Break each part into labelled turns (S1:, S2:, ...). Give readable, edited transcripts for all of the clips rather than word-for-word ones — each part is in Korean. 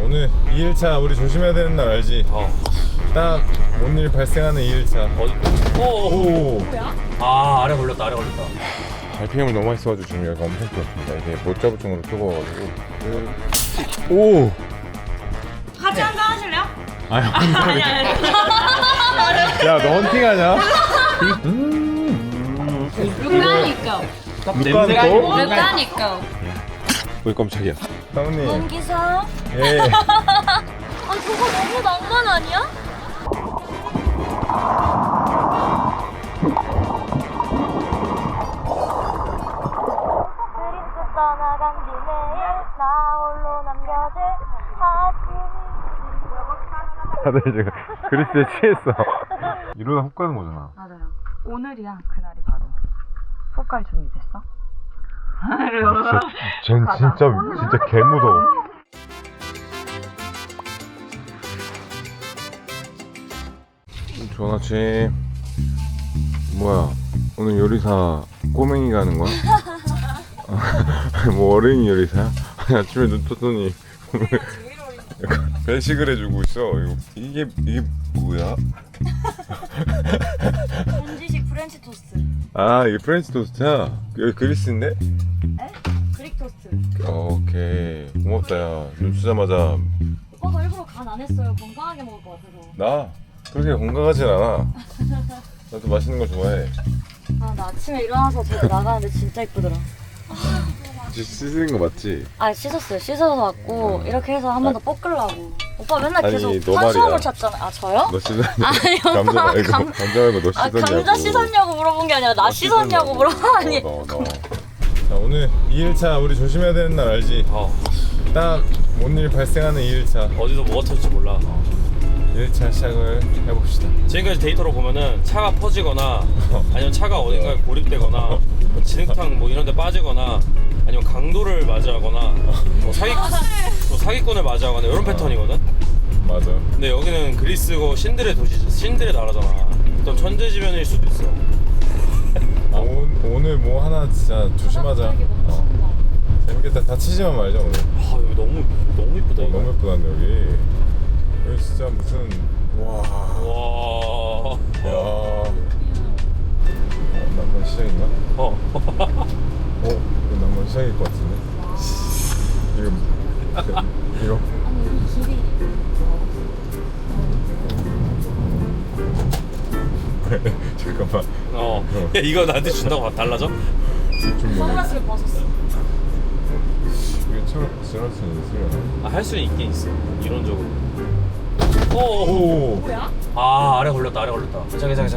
S1: 오늘 2일차 우리 조심해야 되는 날 알지? 딱 뭔 일 발생하는 2일차. 오.
S2: 뭐야?
S3: 아, 아래 걸렸다.
S1: RPM을 너무 많이 써가지고 지금 여기가 엄청 뜨겁습니다. 이게 못 잡을 정도로 뜨거워가지고. 오!
S2: 같이 한잔 하실래요?
S1: 아니,
S2: 아니.
S1: 야, 너 헌팅하냐?
S2: 루카니까.
S1: 루카니까?
S2: 루카니까.
S1: 왜 깜짝이야? 사모님.
S2: 원기사.
S1: 예.
S2: 아 저거 너무 낭만 아니야? 그리스 떠나간 뒤 내일 나 홀로 남겨진 가슴이.
S1: 다들 지금 그리스에 취했어. 이러다 훅 가는 거잖아.
S4: 맞아요. 오늘이야 그날이 바로. 폭갈 준비됐어?
S1: 전 진짜 개 무서워. 좋은 아침. 뭐야? 오늘 요리사 꼬맹이 가는 거야? 뭐 어린이 요리사야? 아니 아침에 눈 떴더니 약간 배식을 해주고 있어. 이게 뭐야?
S2: 현지식 프렌치 토스트.
S1: 아 이게 프렌치 토스트야? 여기 그리스인데?
S2: 에? 그릭 토스트.
S1: 오케이 고맙다 야. 눈 뜨자마자
S2: 오빠가 일부러 간 안 했어요. 건강하게 먹을 것 같아서.
S1: 나 그렇게 건강하진 않아. 나도 맛있는 거 좋아해.
S2: 아 나 아침에 일어나서 저기 나가는데 진짜 이쁘더라.
S1: 씻는 거 맞지?
S2: 아 씻었어요. 씻어서 왔고 이렇게 해서 한 번 더 볶으려고. 오빠 맨날
S1: 아니,
S2: 계속
S1: 너
S2: 탄수화물
S1: 말이야.
S2: 찾잖아. 아 저요?
S1: 너 씻었냐?
S2: 아니,
S1: 감자
S2: 오빠,
S1: 말고 감자 말고 너
S2: 아
S1: 씻었냐고.
S2: 감자 씻었냐고 물어본 게 아니라 나 씻었냐고 물어보니.
S1: 너. 자 오늘 2일차 우리 조심해야 되는 날 알지? 딱 뭔 일 발생하는 2일차.
S3: 어디서 뭐가 터질지 몰라.
S1: 2일차 시작을 해봅시다.
S3: 지금까지 데이터로 보면은 차가 퍼지거나 아니면 차가 어딘가에 고립되거나 뭐 진흙탕 뭐 이런 데 빠지거나 아니면 강도를 맞이하거나 뭐 사기꾼을 맞이하거나 이런 패턴이거든.
S1: 맞아.
S3: 근데 여기는 그리스고 신들의 도시, 신들의 나라잖아. 또 천재지변일 수도 있어.
S1: 오늘 뭐 하나 진짜 조심하자. 재밌겠다. 다치지만 말자 오늘.
S3: 아 여기 너무 이쁘다. 이거.
S1: 너무 예쁘다는데 여기 진짜 무슨 와.
S3: 와.
S1: 야. 난번 시작인가? 이거 난번 시작일 것 같은데. 이거. 잠깐만.
S3: 야, 이거 나한테 준다고 달라져?
S1: 좀 뭐네.
S2: 선글라스를 벗었어.
S1: 이게 처음 지날 수는 있으려나?
S3: 할 수는 있긴 있어. 이론적으로.
S1: 오.
S2: 뭐야?
S3: 아 아래 걸렸다. 괜찮아.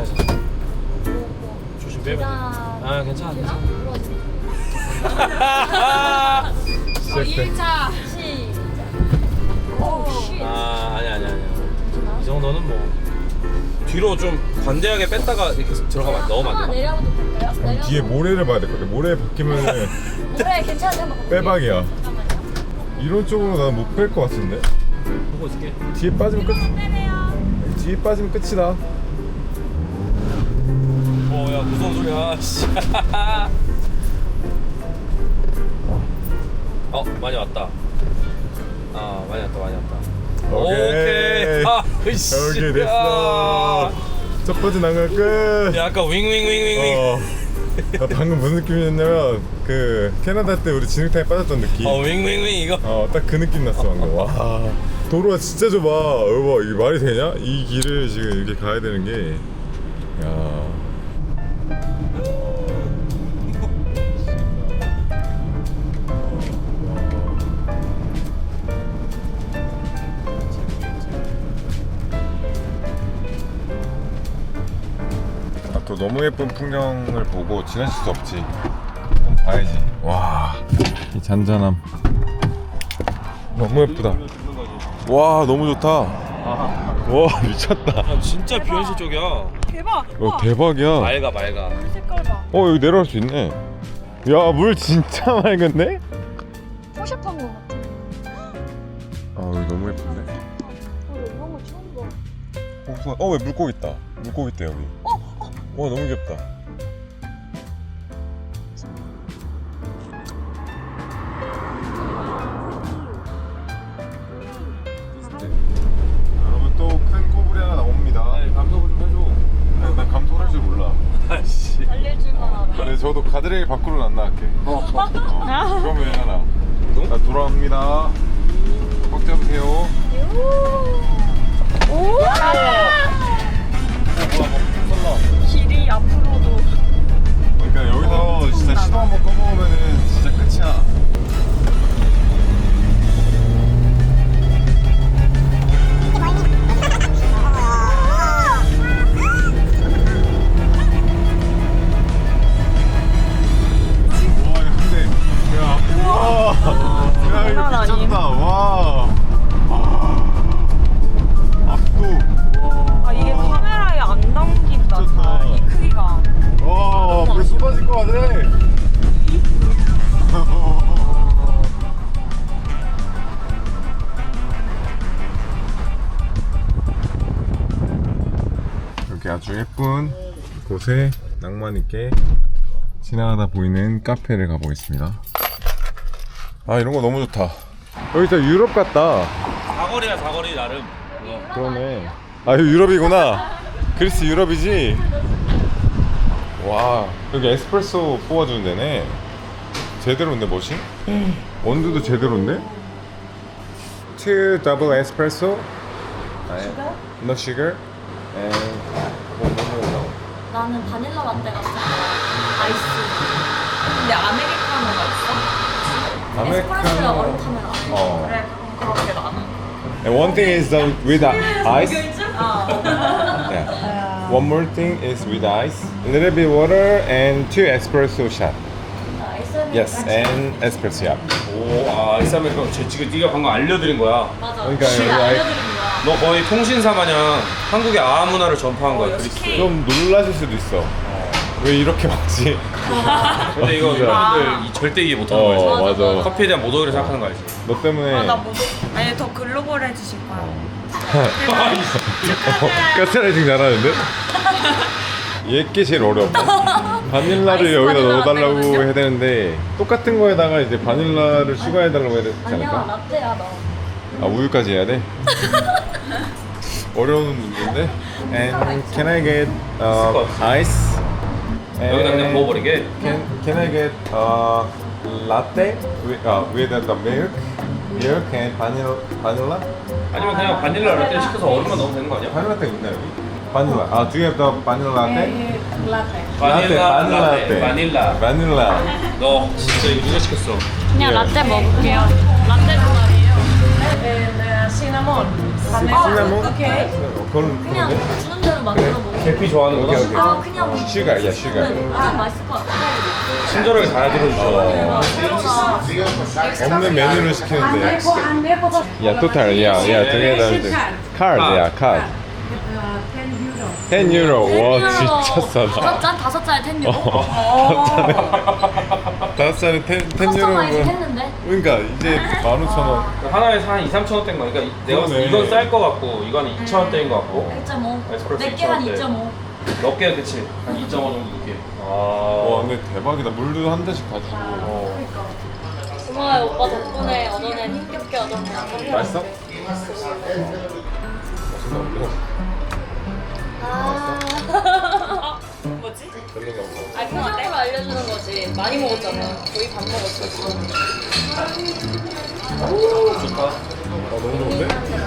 S3: 조심 빼면 돼.
S2: 자.
S3: 아 괜찮아.
S1: 시작돼.
S2: 2일차 시작. 오 쉣.
S3: 아 아니야. 이 정도는 뭐 뒤로 좀 관대하게 뺐다가 이렇게 들어가면 넣으면
S2: 하나
S3: 안 돼.
S2: 내려도 될까요?
S1: 그럼 뒤에 모래를 봐야 될 것 같아. 모래 박히면은
S2: 모래 괜찮은데 한번 볼게요.
S1: 빼박이야.
S2: 잠깐만요.
S1: 이런 쪽으로 나는 못 뺄 것 같은데.
S3: 보고 있을게.
S1: 뒤에 빠지면 끝.
S2: 빼네요.
S1: 뒤에 빠지면 끝이다.
S3: 야 무서운 소리야. 씨. 많이 왔다. 많이 왔다. 오케이. 으이씨.
S1: 여기 됐어. 첫 번째 난간 끝.
S3: 야 아까 윙.
S1: 나 방금 무슨 느낌이었냐면 그 캐나다 때 우리 진흙탕에 빠졌던 느낌.
S3: 윙 이거.
S1: 딱 그 느낌 났어 방금. 와 도로가 진짜 좁아. 여보 이게 말이 되냐? 이 길을 지금 이렇게 가야 되는 게. 야. 또 너무 예쁜 풍경을 보고 지나칠 수 없지. 한번 봐야지. 와, 이 잔잔함. 너무 예쁘다. 와, 너무 좋다. 와, 미쳤다.
S3: 야, 진짜 비현실 쪽이야.
S2: 대박.
S1: 대박이야.
S3: 맑아.
S2: 색깔 봐.
S1: 여기 내려갈 수 있네. 야, 물 진짜 맑은데?
S2: 포샵한 거 같아.
S1: 여기 너무 예쁜데?
S2: 이런 거 처음 봐.
S1: 왜 물고기 있다. 물고기 있다, 여기. 와, 너무 귀엽다. 네, 저도 가드레일 밖으로 안 나갈게. 그러면 하나. 자, 돌아갑니다. 꽉 잡으세요.
S2: 길이 앞으로도.
S1: 그러니까 여기서 진짜 시도 한번 꺼먹으면은 진짜 끝이야. 와, 근데 야, 이거 미쳤다. 와. 압도.
S4: 아 이게 카메라에 안 담긴다.
S1: 미쳤다.
S4: 이 크기가.
S1: 와, 불 쏟아질 것 같아. 이렇게 아주 예쁜 곳에 낭만 있게 지나가다 보이는 카페를 가보겠습니다. 아, 이런 거 너무 좋다. 여기 진짜 유럽 같다.
S3: 사거리야 사거리 나름.
S1: 그러네. 아, 이거 유럽이구나. 그리스 유럽이지. 와, 여기 에스프레소 뽑아주는 데네. 제대로인데 머신? 원두도 제대로인데? 2 double espresso. No sugar. And 뭐 넣어?
S2: 나는 바닐라 라떼가 좋아. 아이스.
S4: 근데 아메리카노가 있어?
S2: 에스프레소야 얼음 타면 안 돼.
S1: 어.
S4: 그래 그럼 그렇게 나는.
S1: And one thing is with ice. Yeah. One more thing is with ice. A little bit water and 2 espresso shot. Yes, and espresso shot.
S3: 오, 아이스 아메리카노 지금 네가 방금 알려드린 거야.
S2: 맞아.
S1: 그러니까
S2: 제가
S1: 여기
S2: 알려드린 거야.
S3: 너 거의 통신사 마냥 한국의 아아 문화를 전파한 거야 그리스.
S1: 좀 놀라실 수도 있어. 왜 이렇게 먹지?
S3: 근데 이거
S1: 진짜.
S3: 여러분들 절대 이해 못하는 거 알지?
S1: 맞아.
S3: 커피에 대한 모독이를 생각하는 거 알지?
S1: 너 때문에
S4: 나 뭐? 아니 더 글로벌해지실 거야.
S1: 가스라이팅 잘하는데? 얘게 제일 어려워. 바닐라를
S2: 아이스
S1: 여기다
S2: 바닐라
S1: 넣어달라고
S2: 라떼거든요?
S1: 해야 되는데 똑같은 거에다가 이제 바닐라를 추가해달라고 해야 되지
S2: 아니야,
S1: 않을까?
S2: 라떼야 너.
S1: 아, 우유까지 해야 돼? 어려운 문제인데? And can I get ice?
S3: 여기다 그냥 부어버리게.
S1: Can I get latte with the milk and vanilla?
S3: 아니면 그냥 바닐라 라떼 시켜서 얼음만 넣으면 되는 거 아니야?
S1: 바닐라 라떼 있나 여기? 바닐라. 아, do you have the vanilla latte?
S3: 바닐라
S1: 라떼.
S3: 바닐라.
S1: 바닐라.
S3: 너 진짜 이거 누가 시켰어?
S2: 그냥 라떼 먹을게요. 라떼 좋아해요.
S4: 시나몬.
S1: 시나몬?
S4: 오케이.
S1: 그건
S2: 그냥 주는 대로 만들어 먹어.
S3: 계피 좋아하는
S1: 오케이,
S3: 거다?
S1: 오케이.
S2: 아, 그냥
S1: 슈가, 야, 슈가.
S2: 그냥 맛있을 것 같아.
S3: 친절하게 잘 들어주셔.
S1: 없는 메뉴를 시키는데. 야, 토탈, 야, together. 카드, 야, 카드. 10 유로. 와, 진짜 싸다.
S2: 다섯 잔에 10 유로.
S1: 다섯 잔에 10
S2: 커스터마이즈
S1: 유로.
S2: 했는데.
S1: 그러니까 이제 15,000원.
S3: 하나에 한 2, 3천 원대인 거니까 내가 봤을 때
S1: 그러네.
S3: 이건 쌀 거 같고 이건 2천 원대인 거 같고
S2: 1.5.
S3: 에스프레소
S2: 내게 한
S3: 2.5.
S2: 2.5.
S3: 몇 개 그치? 한 2.5 정도 넣게.
S1: 와, 근데 대박이다. 물도 한 잔씩 다 주고.
S2: 고마워요 오빠 덕분에 얻어낸 힘겹게 얻어낸.
S1: 맛있어?
S2: 아.
S4: 뭐지?
S2: 아, 표정으로 알려주는 거지. 많이 먹었잖아. 거의 밥 먹었어.
S3: 좋다.
S1: 너무 좋은데?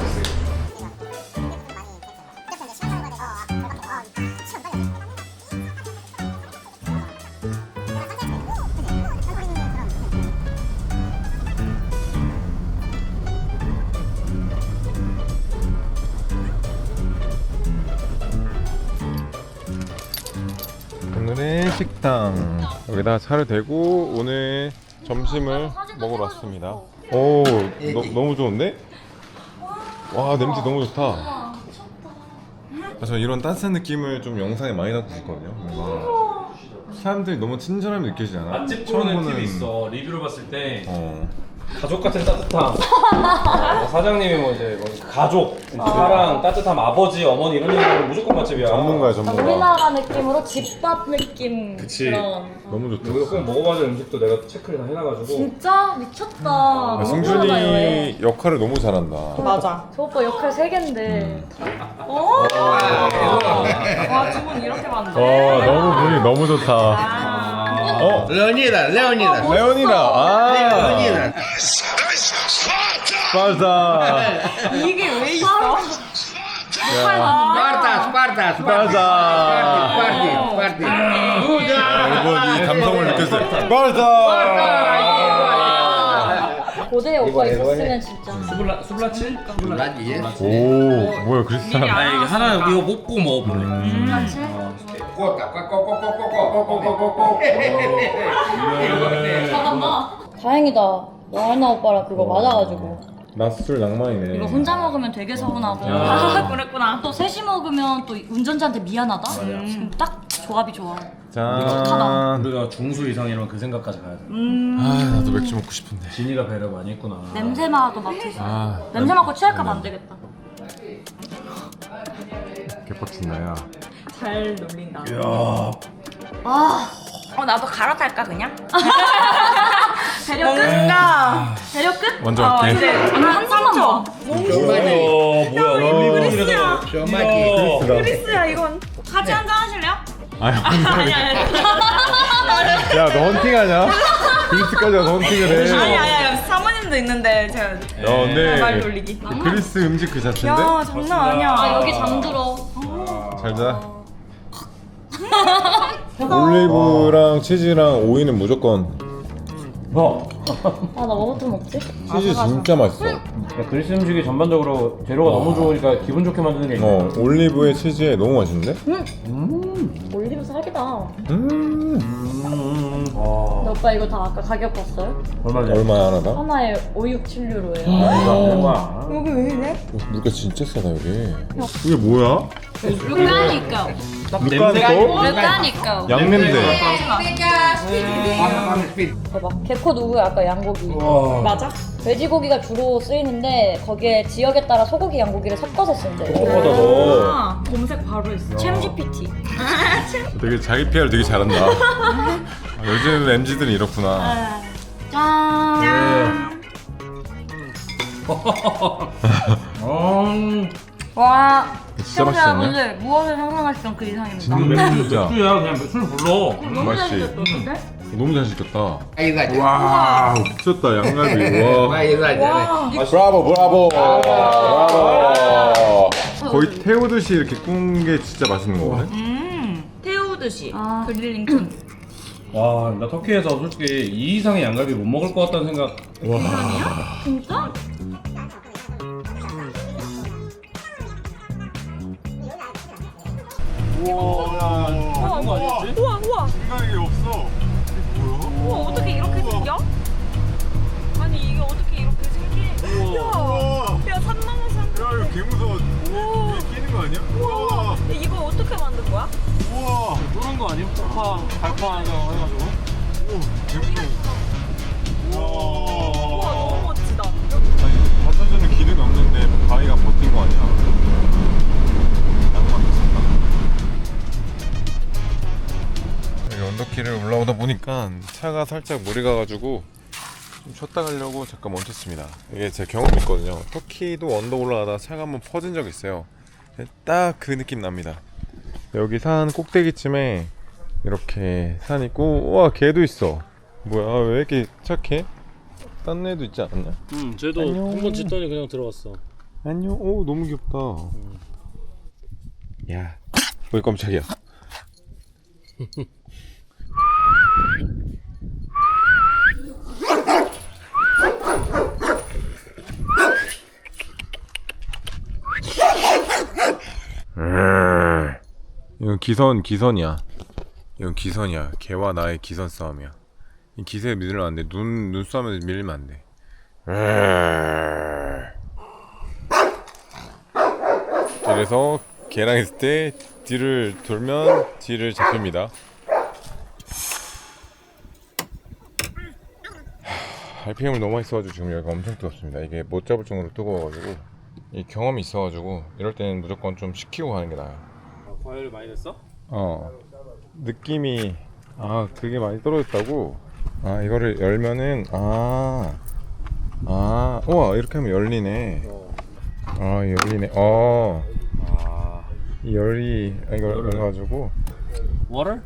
S1: 오늘의 식당 여기다 차를 대고 오늘 점심을 먹으러 왔습니다. 오, 너무 좋은데? 와, 냄새 너무 좋다. 저 이런 따뜻한 느낌을 좀 영상에 많이 담고 싶거든요. 뭔가 사람들이 너무 친절함이 느껴지지 않아?
S3: 맛집 보는 팁이 있어. 리뷰를 봤을 때 가족 같은 따뜻함. 사장님이 뭐 이제 뭐 가족, 사랑, 따뜻함, 아버지, 어머니 이런 얘기는 무조건 맛집이야.
S1: 전문가야, 전문가.
S2: 우리나라 느낌으로 집밥 느낌.
S3: 그치.
S2: 그런.
S1: 너무 좋다.
S3: 여기서 꼭 먹어봐야 될 음식도 내가 체크를 다 해놔가지고.
S2: 진짜 미쳤다.
S1: 아,
S2: 너무
S1: 승준이
S2: 좋아요.
S1: 역할을 너무 잘한다.
S4: 맞아.
S2: 저 오빠 역할 3개인데.
S4: 와 주문 이렇게 만들.
S1: 와, 너무 분위기 너무 좋다. 어?
S5: Leonidas, Leonidas.
S1: 레오니나. 아.
S5: Leonidas.
S1: 스파르타.
S2: 이게 왜 있어?
S5: Sparta, Sparta, Sparta. Sparta, Sparta.
S1: 여러분 이 감성을 느꼈어요. 스파르타.
S2: 고대 오빠 있었으면 진짜.
S3: 수블라치?
S5: Lagi ya.
S1: 오 뭐야 크리스찬.
S3: 아 이게 하나 이거 먹고 먹어볼래.
S5: Kota, kok.
S2: 다행이다. 와나 오빠랑 그거 맞아가지고.
S1: 낮술 낭만이네.
S2: 이거 혼자 먹으면 되게 서운하고.
S3: 야.
S2: 그랬구나. 또 셋이 먹으면 또 운전자한테 미안하다. 지금 딱 조합이 좋아.
S1: 짠.
S3: 우리가 중수 이상이면 그 생각까지 가야 돼.
S1: 아 나도 맥주 먹고 싶은데.
S3: 진이가 배려 많이 했구나.
S2: 냄새 맡아도 맡으세요.
S1: 아
S2: 냄새 맡고 취할까 봐 안 되겠다.
S1: 개빡친다 야.
S6: 잘 놀린다.
S3: 야.
S6: 나도 갈아탈까 그냥?
S2: 배려 끝?
S6: 뭔가
S2: 배려 끝?
S1: 먼저 할게.
S2: 오늘 한 잔만 먹어.
S3: 뭐야 올리브영이라서.
S5: Somaki.
S6: 크리스야 이건. 같이 한잔 하실래요?
S1: 아니 야너 헌팅하냐? 그리스까지 와서 헌팅을 해.
S6: 아니 사모님도 있는데 제가 말
S1: 근데
S6: 돌리기.
S1: 그리스 음식 그 자체인데?
S6: 야 장난 아니야.
S2: 아 여기 잠들어.
S1: 잘 자. 올리브랑 치즈랑 오이는 무조건.
S2: 아 나 뭐부터 먹지?
S1: 치즈 진짜 맛있어.
S3: 그리스 음식이 전반적으로 재료가 너무 좋으니까 기분 좋게 만드는 게 있네.
S1: 올리브에 치즈에 너무 맛있는데?
S2: 올리브 사기다.
S3: 와.
S2: 근데 오빠 이거 다 아까 가격 봤어요?
S3: 얼마냐?
S1: 얼마야 하나다?
S2: 하나에 5,6,7유로예요.
S3: 뭐야?
S6: 여기 왜 이래?
S1: 물가 진짜 싸다 여기. 이게 뭐야?
S2: 루카니까.
S1: 루카니코?
S2: 루카니까.
S1: 양냄새.
S2: 대박. 개코 누구야? 아까 양고기.
S6: 맞아?
S2: 돼지고기가 주로 쓰이는데 거기에 지역에 따라 소고기, 양고기를 섞어서 쓴대.
S6: 아, 검색 바로 했어.
S2: 챔 GPT.
S1: 되게 자기 PR 되게 잘한다. 요즘 MZ들은 이렇구나.
S2: 짠. 와.
S1: 진짜 맛있었네.
S2: 오늘 무엇을 상상하시던 그 이상입니다.
S1: 진짜
S3: 맥주야 그냥 술 불러.
S2: 너무 잘
S1: 맛있지?
S2: 생겼던데?
S1: 너무 잘 시켰다.
S5: Aí saja.
S1: 와 미쳤다 양갈비. 와.
S5: Aí saja.
S1: 브라보 브라보. 브라보. 거의 태우듯이 이렇게 구운 게 진짜 맛있는 거거든.
S6: 태우듯이
S2: 아.
S6: 그릴링ton.
S3: 와, 나 터키에서 솔직히 이 이상의 양갈비 못 먹을 것 같다는 생각.
S2: 진짜?
S6: 우와.
S1: 생각이 없어.
S6: 우와 어떻게 이렇게 생겨? 아니 이게 어떻게 이렇게 생기? 야 산 넘어서 산.
S1: 야 이거 개 무서워.
S6: 우와.
S1: 끼는 거 아니야? 우와.
S6: 이거 어떻게 만든 거야?
S1: 우와.
S3: 그런 거 아니야? 발파 하나 해가지고.
S1: 개 무서워.
S6: 우와 너무 멋지다.
S1: 아니 받쳐주는 기능이 없는데 바위가 버틴 거 아니야? 낭만 미쳤다. 여기 언덕길을 올라오다 보니까 차가 살짝 물이 가가지고 좀 쉬었다 가려고 잠깐 멈췄습니다. 이게 제 경험이 있거든요. 터키도 언덕 올라가다 차가 한번 퍼진 적이 있어요. 딱 그 느낌 납니다. 여기 산 꼭대기쯤에 이렇게 산 있고, 우와 개도 있어. 뭐야 왜 이렇게 착해? 딴 애도 있지 않았냐?
S3: 쟤도
S1: 안녕.
S3: 한번 짖더니 그냥 들어갔어.
S1: 안녕. 오 너무 귀엽다. 야, 왜 깜짝이야? 이건 기선이야. 이건 기선이야. 개와 나의 기선 싸움이야. 이 기세에 밀리면 안 돼. 눈싸움에서 밀리면 안 돼. 그래서 개랑 있을 때 뒤를 돌면 뒤를 잡힙니다. RPM을 너무 많이 써가지고 지금 여기가 엄청 뜨겁습니다. 이게 못 잡을 정도로 뜨거워가지고 이 경험이 있어가지고 이럴 때는 무조건 좀 식히고 가는 게 나아요.
S3: 과열이 많이 됐어?
S1: 느낌이 그게 많이 떨어졌다고. 이거를 열면은 우와 이렇게 하면 열리네. 열리네. 이 열이 이걸 열어가지고
S3: Water?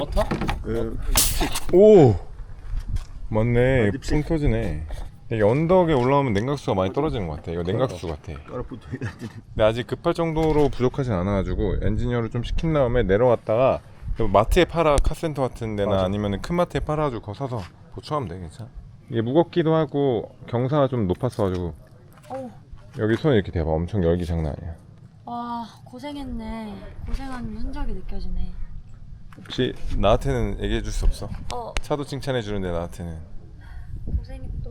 S1: 오! 맞네. 풍 터지네. 이게 언덕에 올라오면 냉각수가 많이 떨어지는 것 같아. 이거 냉각수 같아. 근데 아직 급할 정도로 부족하진 않아가지고 엔지니어를 좀 시킨 다음에 내려왔다가 마트에 팔아, 카센터 같은 데나 아니면 큰 마트에 팔아가지고 그거 사서 보충하면 돼. 괜찮아. 이게 무겁기도 하고 경사가 좀 높았어가지고 여기 손 이렇게 대봐. 엄청 열기 장난 아니야.
S2: 와 고생했네. 고생한 흔적이 느껴지네.
S1: 혹시 나한테는 얘기해 줄 수 없어?
S2: 어
S1: 차도 칭찬해 주는데 나한테는.
S2: 고생했어.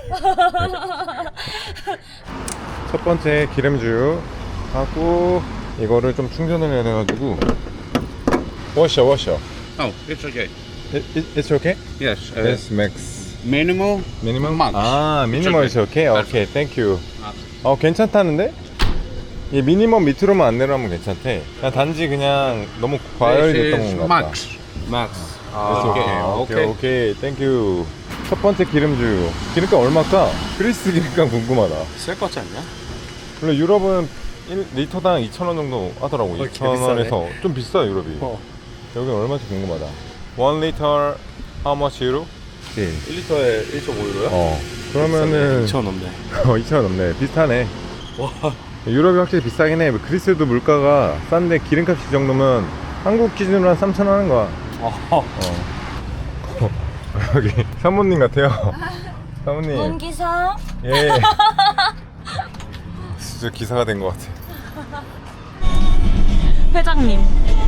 S1: 첫 번째 기름주 하고 이거를 좀 충전을 해야 돼가지고 워셔
S5: Oh, it's okay.
S1: It's okay?
S5: Yes.
S1: Yes, max
S5: Minimal.
S1: Minimum?
S5: Max.
S1: 아, 미니멈 is okay? 오케이, thank you. 괜찮다는데? 이 미니멈 밑으로만 안 내려가면 괜찮대. 그냥 단지 그냥 너무 과열됐던
S5: This is
S1: 건가 보다.
S5: max.
S3: Max.
S1: 오케이, thank you. 첫 번째 기름주. 기름값 얼마일까? 그리스 기름값 궁금하다.
S3: 쓸 것 같지 않냐?
S1: 원래 유럽은 1리터당 2,000원 정도 하더라고. 2,000원에서 좀 비싸 유럽이. 여기는 얼마인지 궁금하다. 1리터 how much euro?
S3: 1리터에 1.5유로야?
S1: 그러면은
S3: 2,000원 넘네.
S1: 2,000원 넘네. 비슷하네.
S3: 와.
S1: 유럽이 확실히 비싸긴 해. 그리스도 물가가 싼데 기름값이 이 정도면 한국 기준으로 한 3,000원 하는 거야. 여기 사모님 같아요. 사모님.
S2: 문기사.
S1: 예. 진짜 기사가 된 것 같아.
S6: 회장님.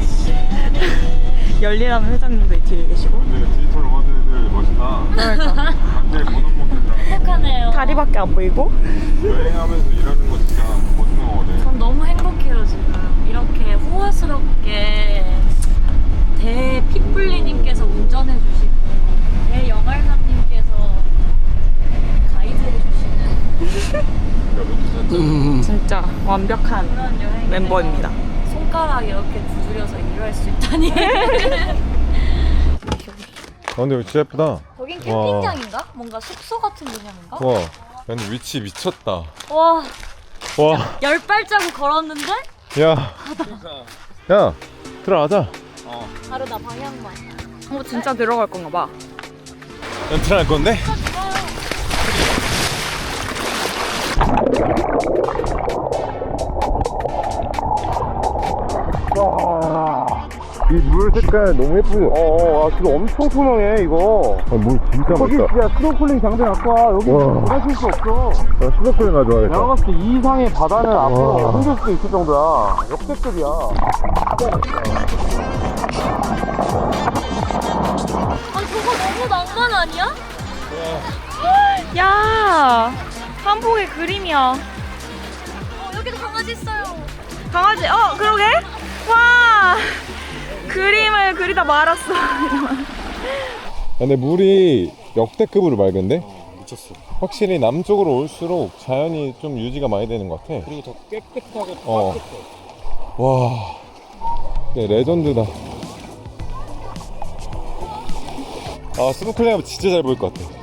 S6: 열리라는 회장님도 이 뒤에 계시고.
S1: 디지털 로버들들 멋있다.
S6: 그러니까.
S1: 완전히 본업모드라.
S2: 행복하네요.
S6: 다리밖에 안 보이고.
S1: 여행하면서 일하는 거 진짜 멋있는 거거든.
S2: 전 너무 행복해요 지금. 이렇게 호화스럽게 대핏불리님께서 운전해 주시고 대영알남님께서 가이드해 주시는
S6: 진짜 완벽한
S2: 그런 여행
S6: 멤버입니다.
S2: 손가락 이렇게 두드려서 일할 수 있다니.
S1: 근데 여기 진짜 예쁘다.
S2: 여긴 캠핑장인가? 뭔가 숙소 같은 개념인가?
S1: 와, 근데 위치 미쳤다.
S2: 와,
S1: 와,
S2: 10발자국 걸었는데
S1: 야, 들어가자.
S2: 바로 나 방향만.
S6: 진짜 들어갈 건가 봐.
S1: 연출할 건데? 이 물 색깔 너무 예쁘죠? 지금 엄청 투명해 이거. 물 진짜 멋있다.
S7: 야 스노클링 장비 갖고 와. 여기 하실 수 없어.
S1: 스노클링 가져와야겠다.
S7: 내가 봤을 때 이 이상의 바다는 앞으로 힘들 수도 있을 정도야. 역대급이야.
S2: 아 저거 너무 낭만 아니야?
S6: 야, 한복의 그림이야.
S2: 여기도 강아지 있어요.
S6: 강아지, 그러게? 와, 그림을 그리다 말았어.
S1: 근데 물이 역대급으로 맑은데?
S3: 미쳤어.
S1: 확실히 남쪽으로 올수록 자연이 좀 유지가 많이 되는 것 같아.
S3: 그리고 더 깨끗하고
S1: 따뜻해. 와, 네, 레전드다. 스노클링 하면 진짜 잘 보일 것 같아.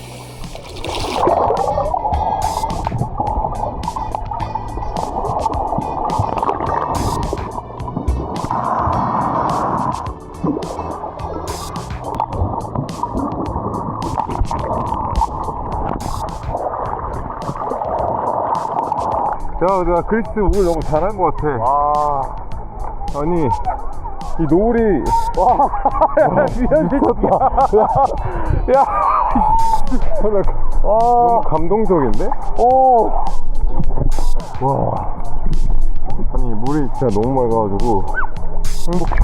S1: 야, 내가 그리스 오길 너무 잘한 것 같아. 와. 아니, 이 노을이. 와, 미쳤다. 야, 너무 감동적인데? 오. 와. 아니, 물이 진짜 너무 맑아가지고 행복해.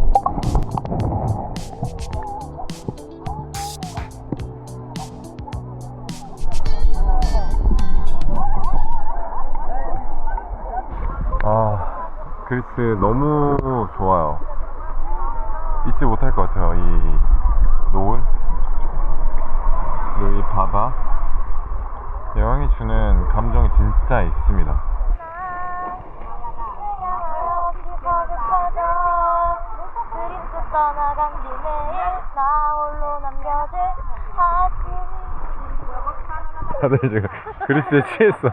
S1: 그리스 너무 좋아요. 잊지 못할 것 같아요. 이 노을 그리고 이 바다, 여행이 주는 감정이 진짜 있습니다. 다들 지금 그리스에 취했어.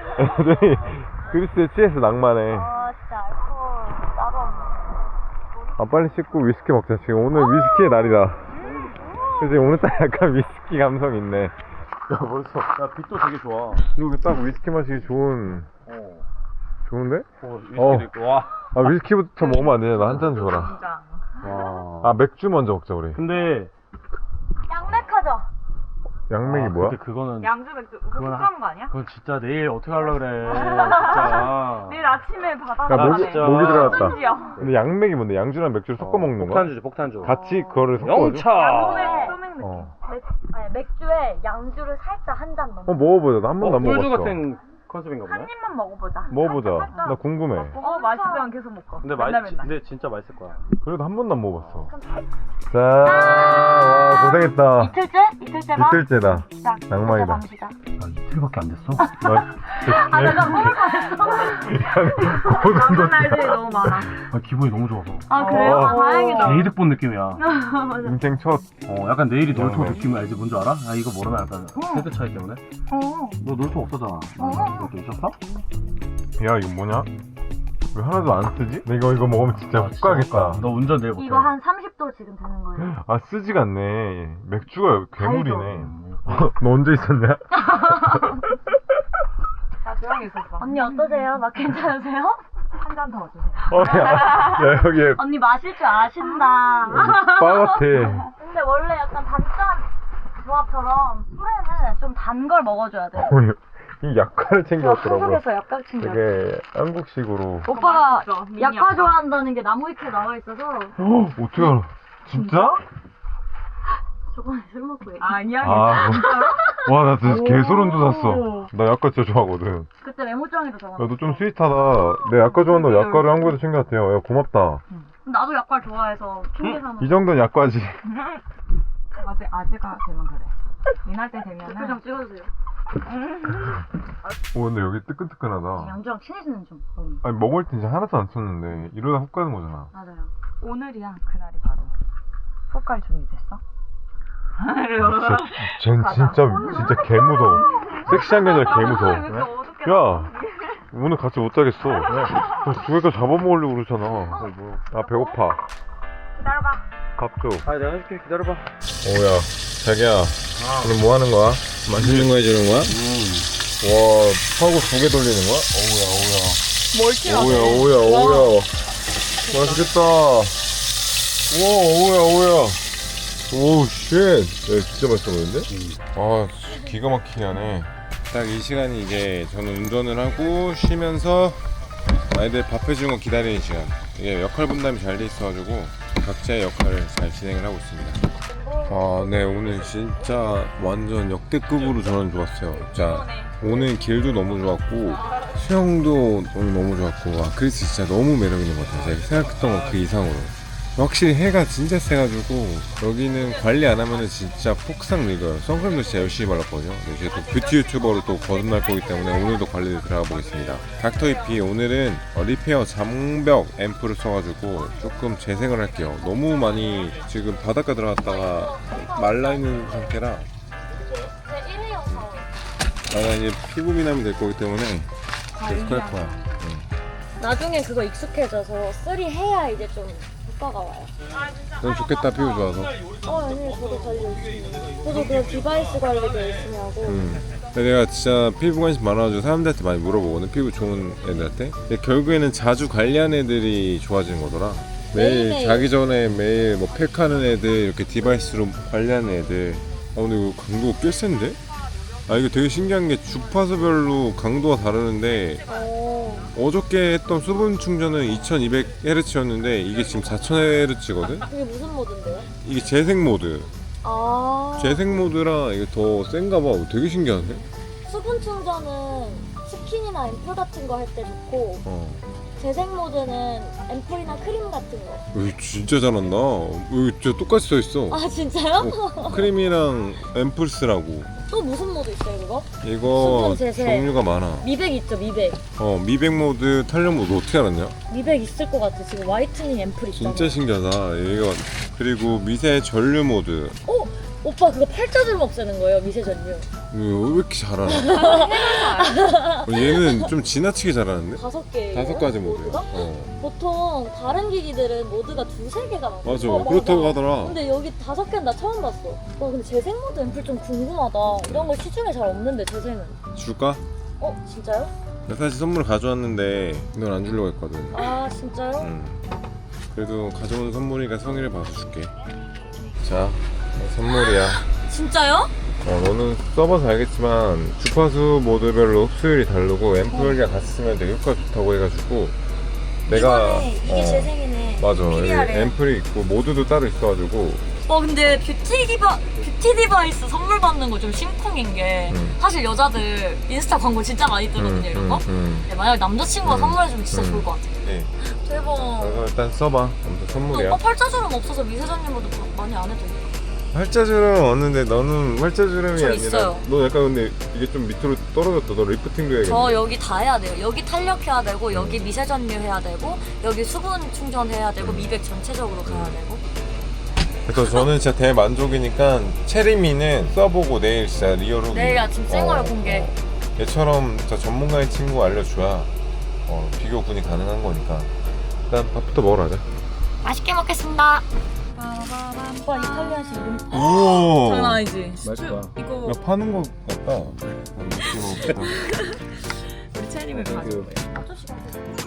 S1: 애들이 그리스에 취해서 낭만해.
S2: 진짜 알코올 따로 없네.
S1: 아 빨리 씻고 위스키 먹자. 지금 오늘 위스키의 날이다. 그치 오늘따라 약간 위스키 감성 있네. 야 벌써
S3: 야 빛도 되게 좋아.
S1: 이렇게 딱 위스키 마시기 좋은. 좋은데?
S3: 위스키도 있고 와.
S1: 아 위스키부터 먹으면 안 되냐? 나 한 잔 줘라.
S6: 진짜.
S3: 와.
S1: 아 맥주 먼저 먹자 우리.
S3: 근데
S6: 양맥하자.
S1: 양맥이 뭐야?
S3: 근데 그거는
S6: 양주 맥주. 그거
S3: 그건
S6: 훅 가는 거 아니야?
S3: 그건 진짜 내일 어떻게 하려고 그래. 진짜.
S6: 내일 아침에 받아서
S1: 야 목이
S3: 진짜.
S1: 목이 들어갔다.
S6: 심지어.
S1: 근데 양맥이 뭔데? 양주랑 맥주를 섞어 먹는 거야?
S3: 폭탄주지 폭탄주.
S1: 같이 그거를 섞어가지고?
S3: 영차.
S6: 소맥 느낌.
S1: 어.
S8: 아니, 맥주에 양주를 살짝 한 잔 넣어.
S1: 먹어보자. 나 한 번도 안
S3: 소주
S1: 먹어봤어.
S3: 같은 컨셉인가 보네.
S6: 한 입만 먹어보자.
S1: 먹어보자. 나 궁금해.
S6: 맛있으면 계속 먹어.
S3: 근데
S6: 맨날 맨날.
S3: 근데 진짜 맛있을 거야.
S1: 그래도 한 번도 안 먹어봤어. 자, 와, 고생했다.
S8: 이틀째? 이틀째가?
S1: 이틀째다.
S8: 시작.
S1: 낭만이다.
S8: 밤 시작.
S3: 아 이틀밖에 안 됐어?
S8: 아, 내가 뭘 잘했어?
S6: 남은 날들이 너무 많아.
S3: 아 기분이 너무 좋아서.
S8: 아, 그래요? 아, 다행이다.
S3: 게이득 본 느낌이야.
S1: 인생 첫.
S3: 약간 내일이 놀토
S1: 네.
S3: 느낌 알지? 뭔지 알아? 아 이거 모르나 약간 세대 차이 때문에? 너 놀토 없었잖아. 놀토 있었어?
S1: 야, 이거 뭐냐? 왜 하나도 안 쓰지? 내가 이거 먹으면 진짜 훅 가겠다.
S3: 너 운전 내일 못해.
S8: 이거 한 30도 지금 되는 거예요.
S1: 아, 쓰지가 않네. 맥주가 괴물이네. 너 언제 있었냐?
S6: 나 조용히 있었어.
S8: 언니 어떠세요? 막 괜찮으세요?
S6: 한 잔 더 주세요.
S1: 야, 여기에
S8: 언니 마실 줄 아신다.
S1: 바 같아.
S8: 근데 원래 약간 단짠 조합처럼 술에는 좀 단 걸 먹어줘야 돼.
S1: 이 약과를 챙겨왔더라고요.
S8: 한국에서 약간 챙겨.
S1: 되게 한국식으로.
S8: 오빠가
S6: 진짜, 미니
S8: 약과
S6: 약과.
S8: 좋아한다는 게 나무위키에 나와 있어서
S1: 어떻게 알아? 진짜?
S8: 저번에 술 먹고 얘기.
S6: 아니야.
S1: 아, 와, 나 진짜 개소름 돋았어. 나 약과 진짜 좋아하거든.
S8: 그때 메모장에도 적어놨어.
S1: 야, 너 좀 스윗하다. 내 약과 좋아한다고 약과를 한국에서 챙겨왔대요. 야, 고맙다.
S8: 나도 약과를 좋아해서 핑계 삼아.
S1: 이 정도는 약과지.
S6: 아재가 되면 그래. 이날 때 되면은.
S8: 표정 찍어주세요.
S1: 오, 근데 여기 뜨끈뜨끈하다.
S8: 양주랑 친해지는 좀.
S1: 아니, 먹을 때 진짜 하나도 안 썼는데, 이러다 훅 가는 거잖아.
S8: 맞아요.
S6: 오늘이야 그날이 바로. 훅갈 준비됐어?
S1: 쟨 진짜 개 무서워. 섹시한 게 아니라 개 무서워. 야, 오늘 같이 못 자겠어. 두개가 잡아먹으려고 그러잖아. 아, 배고파.
S6: 기다려봐.
S1: 밥 줘.
S3: 아 내가 해줄게 기다려봐.
S1: 오야, 자기야. 오늘 뭐 하는 거야? 맛있는 거 해주는 거야? 와, 파고 두 개 돌리는 거야? 오야. 맛있겠다. 오야. 오, 쉣. 야, 진짜 맛있어 보이는데? 아, 기가 막히게 하네. 딱 이 시간이 이제 저는 운전을 하고 쉬면서 아이들 밥 해주는 거 기다리는 시간. 이게 역할 분담이 잘 돼 있어가지고 각자의 역할을 잘 진행을 하고 있습니다. 아, 네, 오늘 진짜 완전 역대급으로 저는 좋았어요. 자, 오늘 길도 너무 좋았고 수영도 너무 좋았고, 와, 크리스 진짜 너무 매력 있는 것 같아요. 제가 생각했던 것 그 이상으로. 확실히 해가 진짜 세가지고 여기는 관리 안 하면은 진짜 폭삭 늙어요. 선크림도 진짜 열심히 발랐거든요. 이제 또 뷰티 유튜버로 또 거듭날 거기 때문에 오늘도 관리를 들어가 보겠습니다. 닥터이피 오늘은 리페어 장벽 앰플을 써가지고 조금 재생을 할게요. 너무 많이 지금 바닷가 들어갔다가 말라있는 상태라 나가 이제 피부 미남이 될 거기 때문에 계속 할 거야.
S8: 나중에 그거 익숙해져서 쓰리 해야 이제 좀 효과가 와요.
S1: 넌 좋겠다, 피부 좋아서.
S8: 아니 저도 관리 열심히 해요. 저도 그런 디바이스 관리도 열심히 하고.
S1: 근데 내가 진짜 피부 관심 많아가지고 사람들한테 많이 물어보거든, 피부 좋은 애들한테. 근데 결국에는 자주 관리하는 애들이 좋아지는 거더라. 매일
S8: 매일매일.
S1: 자기 전에 매일 뭐 팩하는 애들, 이렇게 디바이스로 관리하는 애들. 아, 근데 이거 강도가 꽤 센데? 아, 이거 되게 신기한 게 주파수별로 강도가 다르는데 어저께 했던 수분 충전은 2200Hz였는데 이게 지금 4000Hz거든?
S8: 그게 무슨 모드인데요?
S1: 이게 재생 모드.
S8: 아.
S1: 재생 모드라 이게 더 센가 봐. 되게 신기한데?
S8: 수분 충전은 스킨이나 앰플 같은 거 할 때 좋고 재생 모드는 앰플이나 크림 같은 거.
S1: 여기 진짜 잘한다. 여기 진짜 똑같이 써있어.
S8: 아 진짜요?
S1: 크림이랑 앰플 쓰라고.
S8: 또 무슨 모드 있어요 그거?
S1: 이거
S8: 수분 재생.
S1: 종류가 많아.
S8: 미백 있죠 미백.
S1: 미백 모드, 탄력 모드 어떻게 알았냐?
S8: 미백 있을 것 같아. 지금 화이트닝 앰플 있잖아.
S1: 진짜 신기하다. 이거 그리고 미세 전류 모드.
S8: 오빠 그거 팔자주름 없애는 거예요, 미세전류.
S1: 왜 이렇게 잘하나? 얘는 좀 지나치게 잘하는데?
S8: 5개.
S1: 5가지 모드야.
S8: 모드가? 보통 다른 기기들은 모드가 2-3개가 많아.
S1: 맞아. 그렇다고 하더라.
S8: 근데 여기 5개는 나 처음 봤어. 와 근데 재생 모드 앰플 좀 궁금하다. 이런 거 시중에 잘 없는데 재생은.
S1: 줄까?
S8: 진짜요?
S1: 나 사실 선물 가져왔는데 넌 안 주려고 했거든.
S8: 아 진짜요?
S1: 응. 그래도 가져온 선물이니까 성의를 봐서 줄게. 자, 선물이야.
S8: 진짜요?
S1: 너는 써봐서 알겠지만 주파수 모드별로 흡수율이 다르고 앰플이랑 같이 쓰면 되게 효과 좋다고 해가지고 내가
S8: 이게 재생이네.
S1: 맞아. 여기
S8: PDR에.
S1: 앰플이 있고 모드도 따로 있어가지고
S8: 근데 뷰티 디바이스 선물 받는 거 좀 심쿵인 게 사실 여자들 인스타 광고 진짜 많이 뜨거든요 이런 거. 네, 만약에 남자친구가 선물해주면 진짜 좋을 것 같아.
S1: 네.
S8: 대박.
S1: 그래서 일단 써봐. 아무튼
S8: 근데
S1: 선물이야.
S8: 오빠 팔자주름 없어서 미세전류모드 많이 안 해도 돼.
S1: 활자주름 없는데 너는 활자주름이
S8: 저
S1: 아니라
S8: 있어요.
S1: 너 약간 근데 이게 좀 밑으로 떨어졌다. 너 리프팅도 해야겠네.
S8: 저 여기 다 해야 돼요. 여기 탄력해야 되고 여기 미세전류 해야 되고 여기 수분 충전해야 되고 미백 전체적으로 가야 되고.
S1: 그래서 저는 진짜 대만족이니까 체리미는 써보고 내일 진짜 리얼로
S8: 내일 아침 생얼 공개.
S1: 얘처럼 진짜 전문가인 친구 알려줘야 비교군이 가능한 거니까 일단 밥부터 먹으러 가자.
S8: 맛있게 먹겠습니다. 오빠 이탈리아식 이름.
S1: 오
S6: 장난 아니지?
S1: 맛있다.
S6: 이거
S1: 야 파는 거 같다.
S6: 우리 체리를 가지고.
S8: 아저씨가